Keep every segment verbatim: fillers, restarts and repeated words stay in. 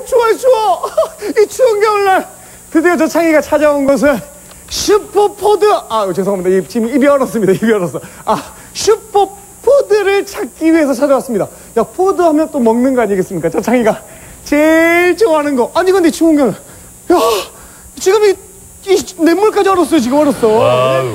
오, 추워요, 추워. 이 추운 겨울날 드디어 저 창희가 찾아온 것은 슈퍼푸드. 아, 죄송합니다. 지금 입이 얼었습니다. 입이 얼었어. 아, 슈퍼푸드를 찾기 위해서 찾아왔습니다. 야, 푸드 하면 또 먹는 거 아니겠습니까? 저 창희가 제일 좋아하는 거. 아니, 근데 추운 겨울. 야, 지금 이, 이 냇물까지 얼었어요. 지금 얼었어. 와우.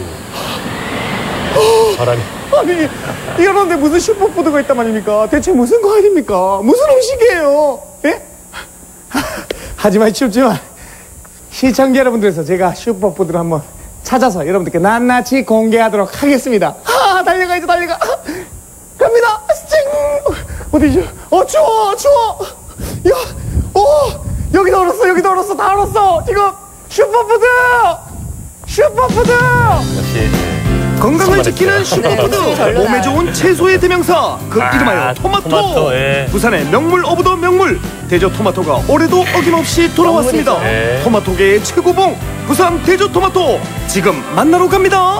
바람이. 아니, 이러는데 무슨 슈퍼푸드가 있단 말입니까? 대체 무슨 과일입니까? 무슨 음식이에요? 예? 하지만 춥지만 시청자 여러분들에서 제가 슈퍼푸드를 한번 찾아서 여러분들께 낱낱이 공개하도록 하겠습니다. 아, 달려가야죠, 달려가. 갑니다. 찡. 어디죠? 어, 추워, 추워. 야, 어, 여기도 얼었어, 여기도 얼었어, 다 얼었어. 지금 슈퍼푸드, 슈퍼푸드. 역시. 건강을 지키는 슈퍼푸드, 몸에 좋은 채소의 대명사, 그 아, 이름하여 토마토. 토마토 예. 부산의 명물 오브 더 명물, 대저 토마토가 올해도 어김없이 돌아왔습니다. 예. 토마토계의 최고봉, 부산 대저 토마토, 지금 만나러 갑니다.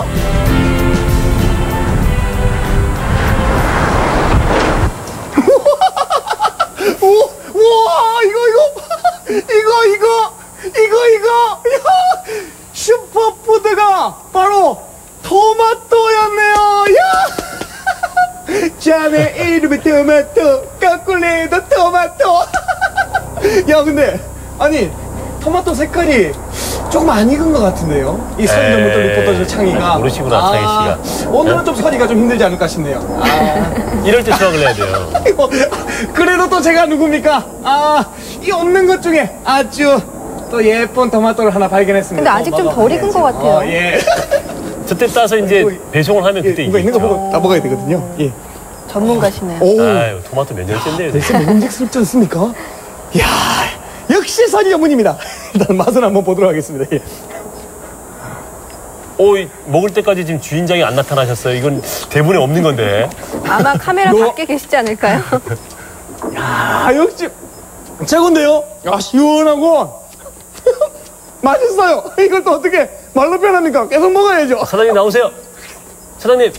오, 우와, 이거 이거 이거 이거 이거 이거 야, 슈퍼푸드가 바로 토마토였네요. 야! 자네 이름이 토마토, 까꿀레도 토마토. 야, 근데 아니 토마토 색깔이 조금 안 익은 것 같은데요? 이 선전부터 리포터 창희가 모르시구나. 아, 창희 씨가 오늘은 좀 서리가 좀 힘들지 않을까 싶네요. 아. 이럴 때 수확을 해야 돼요. 그래도 또 제가 누굽니까? 아, 이 없는 것 중에 아주 또 예쁜 토마토를 하나 발견했습니다. 근데 아직 좀 덜 익은 것 같아요. 어, 예. 그때 따서 이제 뭐, 배송을 하면 예, 그때 이거 있는 거 익겠죠. 보고 다 먹어야 되거든요. 예. 전문가시네요. 오. 아유, 토마토 몇 년째인데요. 대체 먹음직스럽지 않습니까? 이야, 역시 선이 전문입니다. 일단 맛을 한번 보도록 하겠습니다. 예. 오, 먹을 때까지 지금 주인장이 안 나타나셨어요. 이건 대본에 없는 건데. 아마 카메라 요... 밖에 계시지 않을까요? 야, 역시 최고인데요? 아, 시원하고 맛있어요. 이걸 또 어떻게 말로 표현합니까? 계속 먹어야죠. 사장님 나오세요. 사장님.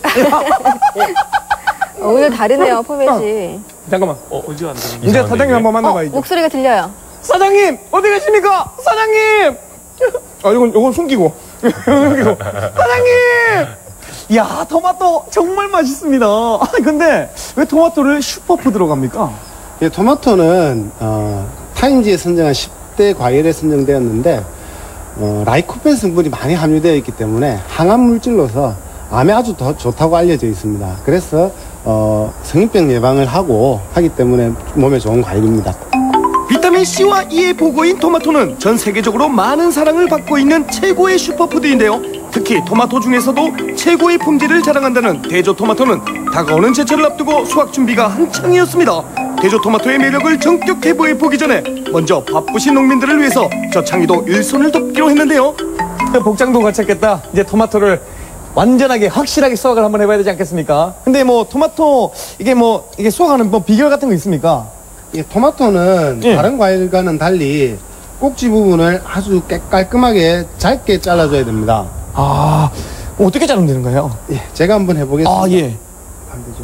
어, 오늘 다르네요, 포맷이. 잠깐만. 어, 어디 안 되는 이제 사장님 한번 만나봐야죠. 어, 목소리가 들려요. 사장님, 어디 계십니까? 사장님. 아, 이건 이건 숨기고. 숨기고. 사장님. 야, 토마토 정말 맛있습니다. 아, 근데 왜 토마토를 슈퍼푸드로 갑니까? 예, 토마토는 어, 타임지에 선정한 십 대 과일에 선정되었는데 어, 라이코펜 성분이 많이 함유되어 있기 때문에 항암 물질로서 암에 아주 더 좋다고 알려져 있습니다. 그래서 어, 성인병 예방을 하고 하기 때문에 몸에 좋은 과일입니다. 비타민 C와 E의 보고인 토마토는 전 세계적으로 많은 사랑을 받고 있는 최고의 슈퍼푸드인데요. 특히 토마토 중에서도 최고의 품질을 자랑한다는 대저 토마토는 다가오는 제철을 앞두고 수확 준비가 한창이었습니다. 대저 토마토의 매력을 전격 해부해 보기 전에 먼저 바쁘신 농민들을 위해서 저 창희도 일손을 돕기로 했는데요. 복장도 갖췄겠다. 이제 토마토를 완전하게 확실하게 수확을 한번 해봐야 되지 않겠습니까? 근데 뭐 토마토 이게 뭐 이게 수확하는 뭐 비결 같은 거 있습니까? 예, 토마토는 예. 다른 과일과는 달리 꼭지 부분을 아주 깨, 깔끔하게 짧게 잘라줘야 됩니다. 아, 어떻게 자르면 되는가요? 예, 제가 한번 해보겠습니다. 아, 예. 반대죠.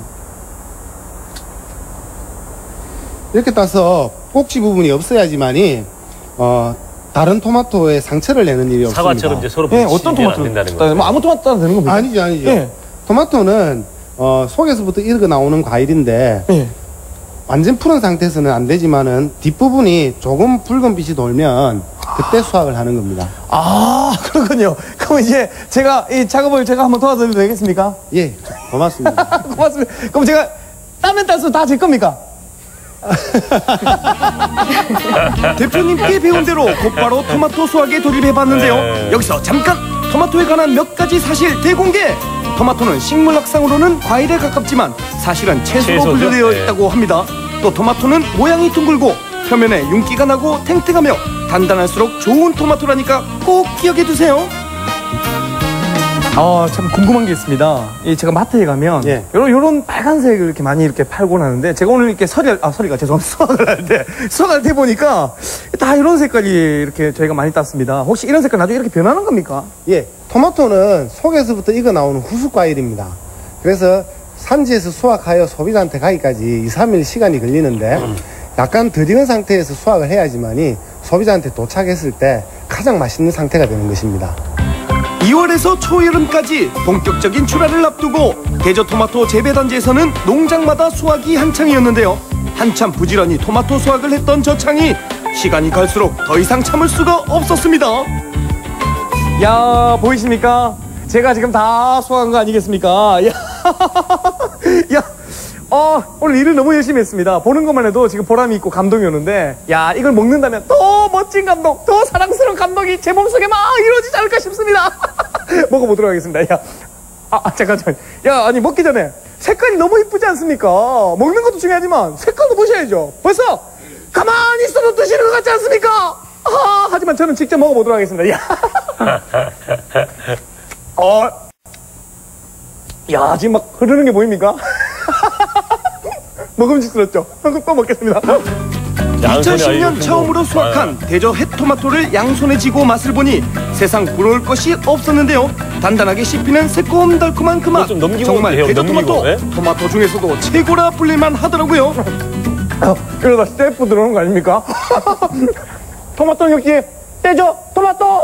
이렇게 따서 꼭지 부분이 없어야지만이 어, 다른 토마토에 상처를 내는 일이 없습니다. 사과처럼 이제 서로 예, 어떤 토마토 된다는 거죠. 뭐 아무 토마토 따도 되는 겁니까? 아니죠, 아니죠. 예. 토마토는 어, 속에서부터 익어 나오는 과일인데 예. 완전 푸른 상태에서는 안 되지만은 뒷부분이 조금 붉은 빛이 돌면 그때 수확을 하는 겁니다. 아, 그렇군요. 그럼 이제 제가 이 작업을 제가 한번 도와드려도 되겠습니까? 예, 고맙습니다. 고맙습니다. 그럼 제가 따면 따서 다 제 겁니까? 대표님께 배운 대로 곧바로 토마토 수확에 돌입해봤는데요. 네. 여기서 잠깐 토마토에 관한 몇 가지 사실 대공개. 토마토는 식물학상으로는 과일에 가깝지만 사실은 채소로 채소죠? 분류되어 네. 있다고 합니다. 또 토마토는 모양이 둥글고 표면에 윤기가 나고 탱탱하며 단단할수록 좋은 토마토라니까 꼭 기억해 두세요. 아, 참 궁금한 게 있습니다. 이 제가 마트에 가면 예. 요런 요런 빨간색을 이렇게 많이 이렇게 팔곤 하는데 제가 오늘 이렇게 서리 아 서리가 죄송합니다. 수확을 할 때 수확할 때 보니까 다 이런 색깔이 이렇게 저희가 많이 땄습니다. 혹시 이런 색깔 나중에 이렇게 변하는 겁니까? 예, 토마토는 속에서부터 익어 나오는 후숙 과일입니다. 그래서 산지에서 수확하여 소비자한테 가기까지 이, 삼 일 시간이 걸리는데 약간 덜 익은 상태에서 수확을 해야지만이 소비자한테 도착했을 때 가장 맛있는 상태가 되는 것입니다. 이월에서 초여름까지 본격적인 출하를 앞두고 대저토마토 재배단지에서는 농장마다 수확이 한창이었는데요. 한참 부지런히 토마토 수확을 했던 저 창이 시간이 갈수록 더 이상 참을 수가 없었습니다. 야, 보이십니까? 제가 지금 다 수확한 거 아니겠습니까? 야, 야, 어, 오늘 일을 너무 열심히 했습니다. 보는 것만 해도 지금 보람이 있고 감동이 오는데, 야, 이걸 먹는다면 더 멋진 감동, 더 사랑스러운 감동이 제 몸속에 막 이루어지지 않을까 싶습니다. 먹어보도록 하겠습니다. 야, 아, 아, 잠깐, 잠깐. 야, 아니, 먹기 전에 색깔이 너무 이쁘지 않습니까? 먹는 것도 중요하지만 색깔도 보셔야죠. 벌써 가만히 있어도 드시는 것 같지 않습니까? 아, 하지만 저는 직접 먹어보도록 하겠습니다. 야, 어, 야, 지금 막 흐르는 게 보입니까? 먹음직스럽죠? 또 먹겠습니다. 이천십 년 처음으로 수확한 대저 햇토마토를 양손에 쥐고 맛을 보니 세상 부러울 것이 없었는데요. 단단하게 씹히는 새콤달콤한 그 맛, 좀 넘기고 정말 해요, 대저 넘기고, 토마토, 네? 토마토 중에서도 최고라 불릴만 하더라고요. 어, 이러다 스태프 들어오는 거 아닙니까? 토마토 역시 대저 토마토!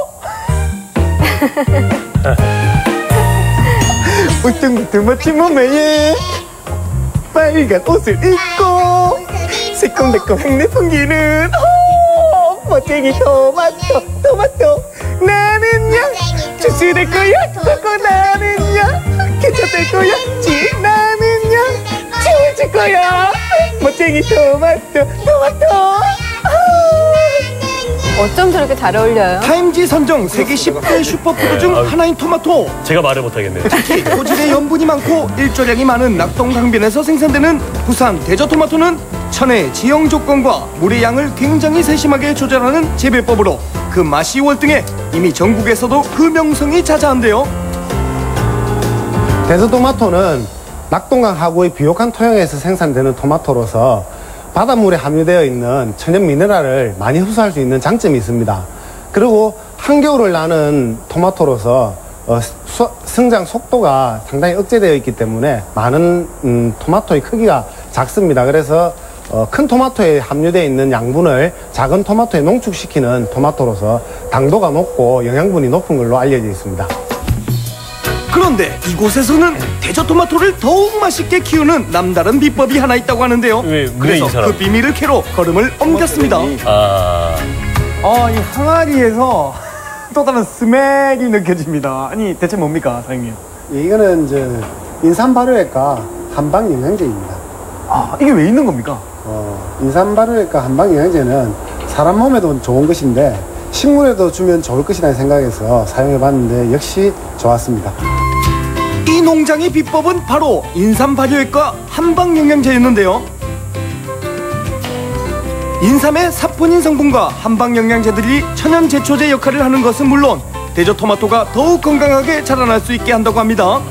울퉁불퉁 멋진 몸매에 빨간 옷을 입고 새콤달콤 향내 풍기는 오, 멋쟁이 토마토 토마토 나는야 주스 될 거야 토코 나는야 케첩 될 거야 지 나는야 치워줄 거야 멋쟁이 토마토 토마토 어쩜 저렇게 잘 어울려요? 타임지 선정 세계 십 대 슈퍼푸드 중 하나인 토마토. 제가 말을 못하겠네요. 특히 토질에 염분이 많고 일조량이 많은 낙동강변에서 생산되는 부산 대저토마토는 천혜의 지형 조건과 물의 양을 굉장히 세심하게 조절하는 재배법으로 그 맛이 월등해 이미 전국에서도 그 명성이 자자한데요. 대저토마토는 낙동강 하구의 비옥한 토양에서 생산되는 토마토로서 바닷물에 함유되어 있는 천연 미네랄을 많이 흡수할 수 있는 장점이 있습니다. 그리고 한겨울을 나는 토마토로서 어, 수, 성장 속도가 상당히 억제되어 있기 때문에 많은 음, 토마토의 크기가 작습니다. 그래서 어, 큰 토마토에 함유되어 있는 양분을 작은 토마토에 농축시키는 토마토로서 당도가 높고 영양분이 높은 걸로 알려져 있습니다. 그런데 이곳에서는 대저토마토를 더욱 맛있게 키우는 남다른 비법이 하나 있다고 하는데요. 왜, 왜 그래서 이 사람? 그 비밀을 캐러 걸음을 옮겼습니다. 아, 어, 이 항아리에서 또 다른 스멜이 느껴집니다. 아니, 대체 뭡니까, 사장님? 이거는 이제 인삼발효액과 한방영양제입니다. 아, 이게 왜 있는 겁니까? 어, 인삼발효액과 한방영양제는 사람 몸에도 좋은 것인데 식물에도 주면 좋을 것이라는 생각에서 사용해봤는데 역시 좋았습니다. 이 농장의 비법은 바로 인삼 발효액과 한방영양제였는데요. 인삼의 사포닌 성분과 한방영양제들이 천연 제초제 역할을 하는 것은 물론 대저토마토가 더욱 건강하게 자라날 수 있게 한다고 합니다.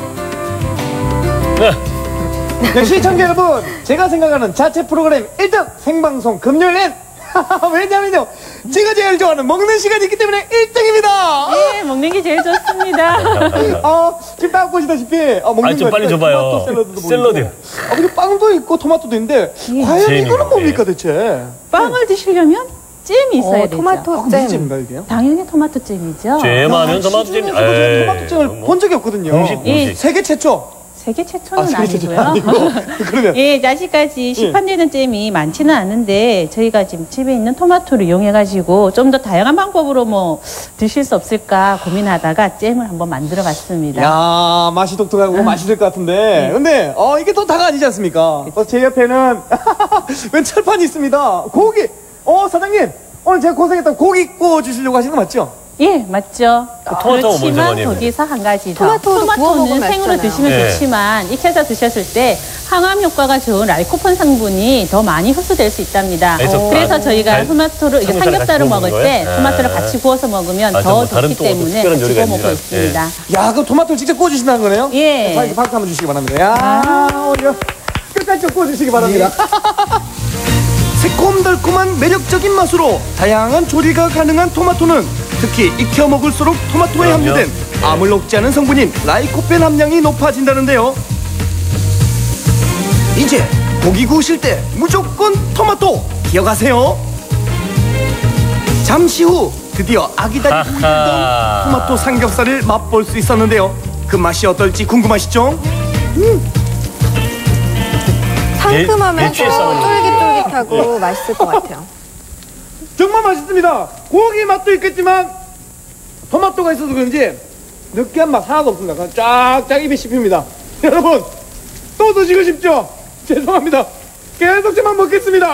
네, 시청자 여러분, 제가 생각하는 자체 프로그램 일 등 생방송 금요일엔 왜냐면요, 제가 제일 좋아하는 먹는 시간이 있기 때문에 일 등입니다. 예, 먹는 게 제일 좋습니다. 어, 지금 딱 보시다시피 어, 먹는 아니, 좀 거 빨리 있잖아요. 줘봐요. 토마토 샐러드도 샐러드. 보이고. 아, 그리고 빵도 있고 토마토도 있는데 과연 잼이네. 이거는 뭡니까 대체? 빵을 드시려면 잼이 있어야 어, 되죠. 토마토 아, 무슨 잼. 잼인가 이게요? 당연히 토마토 잼이죠. 잼하면 토마토 잼. 시중에서 저는 토마토잼을 본 적이 없거든요. 공식, 예. 공식. 세계 최초. 세계 최초는 아, 세계 최초 아니고요. 아니고. 그러면 예, 아직까지 시판되는 잼이 많지는 않은데 저희가 지금 집에 있는 토마토를 이용해가지고 좀 더 다양한 방법으로 뭐 드실 수 없을까 고민하다가 잼을 한번 만들어봤습니다. 야, 맛이 독특하고 맛있을 것 같은데. 근데 어 이게 또 다가 아니지 않습니까? 어, 제 옆에는 웬 철판이 있습니다. 고기. 어, 사장님. 오늘 제가 고생했던 고기 구워 주시려고 하시는 거 맞죠? 예, 맞죠. 토마토가 먼저 그렇지만 많이 거기서 한 가지 더. 토마토도 구워 토마토는 먹으면 생으로 맛있잖아요. 드시면 네. 좋지만 익혀서 드셨을 때 항암 효과가 좋은 라이코펜 성분이 더 많이 흡수될 수 있답니다. 그래서 그래서 아, 저희가 달- 토마토를 이게 삼겹살을 삼겹살을 같이 먹을 구워 때 먹는 토마토를 거예요? 같이 구워서 먹으면 아, 더 뭐 다른 좋기 또 어떤 때문에 특별한 같이 요리가 구워 먹고 있는지 있습니다. 야, 그럼 토마토를 직접 구워 주신다는 거네요? 예. 자, 이렇게 박수 한번 주시기 바랍니다. 야, 오늘 끝까지 좀 구워 주시기 바랍니다. 새콤달콤한 매력적인 맛으로 다양한 조리가 가능한 토마토는 특히 익혀 먹을수록 토마토에 그럼요. 함유된 암을 억제하는 성분인 라이코펜 함량이 높아진다는데요. 이제 고기 구우실 때 무조건 토마토! 기억하세요? 잠시 후 드디어 아기다리 보이던 아하. 토마토 삼겹살을 맛볼 수 있었는데요. 그 맛이 어떨지 궁금하시죠? 상큼하면서 예, 예치에 싸우는 쫄깃쫄깃하고 맛있을 것 같아요. 정말 맛있습니다. 고기 맛도 있겠지만 토마토가 있어서 그런지 느끼한 맛 하나도 없습니다. 그냥 쫙쫙 입에 씹힙니다. 여러분 또 드시고 싶죠? 죄송합니다. 계속 저만 먹겠습니다.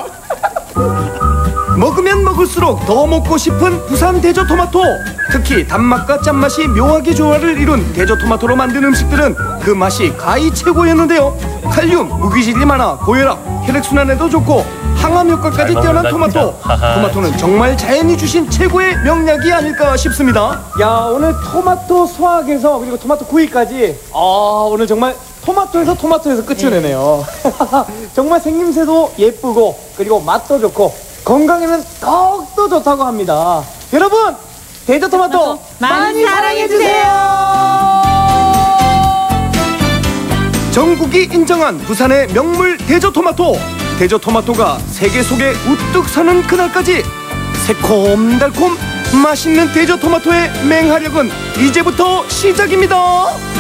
먹으면 먹을수록 더 먹고 싶은 부산 대저 토마토. 특히 단맛과 짠맛이 묘하게 조화를 이룬 대저 토마토로 만든 음식들은 그 맛이 가히 최고였는데요. 칼륨, 무기질이 많아 고혈압, 혈액순환에도 좋고 항암 효과까지 잘 뛰어난 먹는다, 토마토. 진짜. 하하. 토마토는 정말 자연이 주신 최고의 명약이 아닐까 싶습니다. 야, 오늘 토마토 수확에서 그리고 토마토 구이까지 아 오늘 정말 토마토에서 토마토에서 끝을 내네요. 정말 생김새도 예쁘고 그리고 맛도 좋고 건강에는 더욱더 좋다고 합니다. 여러분 대저 토마토 많이 사랑해주세요. 전국이 인정한 부산의 명물 대저 토마토. 대저 토마토가 세계 속에 우뚝 서는 그날까지 새콤달콤 맛있는 대저 토마토의 맹활약은 이제부터 시작입니다.